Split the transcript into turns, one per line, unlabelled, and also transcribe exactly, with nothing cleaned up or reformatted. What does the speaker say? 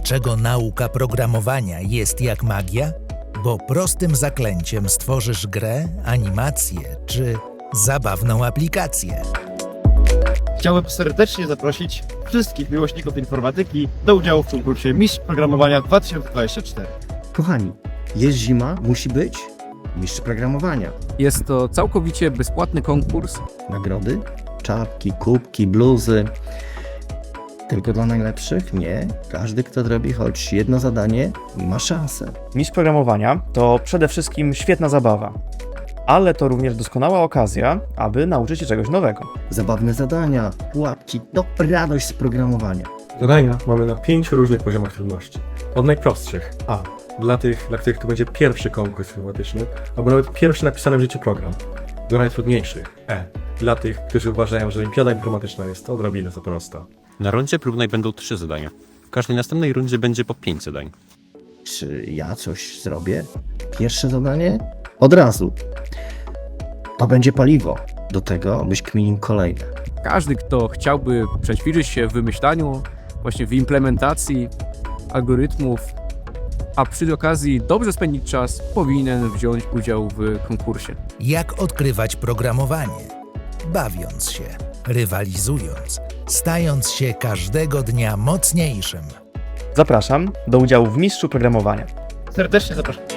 Dlaczego nauka programowania jest jak magia? Bo prostym zaklęciem stworzysz grę, animację czy zabawną aplikację.
Chciałbym serdecznie zaprosić wszystkich miłośników informatyki do udziału w konkursie Mistrz Programowania dwa tysiące dwudziesty czwarty.
Kochani, jest zima, musi być mistrz programowania.
Jest to całkowicie bezpłatny konkurs.
Nagrody, czapki, kubki, bluzy. Tylko dla najlepszych? Nie. Każdy, kto zrobi choć jedno zadanie, ma szansę.
Mistrz programowania to przede wszystkim świetna zabawa, ale to również doskonała okazja, aby nauczyć się czegoś nowego.
Zabawne zadania, pułapki, to radość z programowania.
Zadania mamy na pięciu różnych poziomach trudności. Od najprostszych A. Dla tych, dla których to będzie pierwszy konkurs informatyczny, albo nawet pierwszy napisany w życiu program. Do najtrudniejszych E. Dla tych, którzy uważają, że olimpiada informatyczna jest odrobinę za prosta.
Na rundzie próbnej będą trzy zadania. W każdej następnej rundzie będzie po pięć zadań.
Czy ja coś zrobię? Pierwsze zadanie? Od razu. To będzie paliwo. Do tego byś kminił kolejne.
Każdy, kto chciałby przećwiczyć się w wymyślaniu, właśnie w implementacji algorytmów, a przy okazji dobrze spędzić czas, powinien wziąć udział w konkursie.
Jak odkrywać programowanie? Bawiąc się, rywalizując, stając się każdego dnia mocniejszym.
Zapraszam do udziału w Mistrzu Programowania.
Serdecznie zapraszam.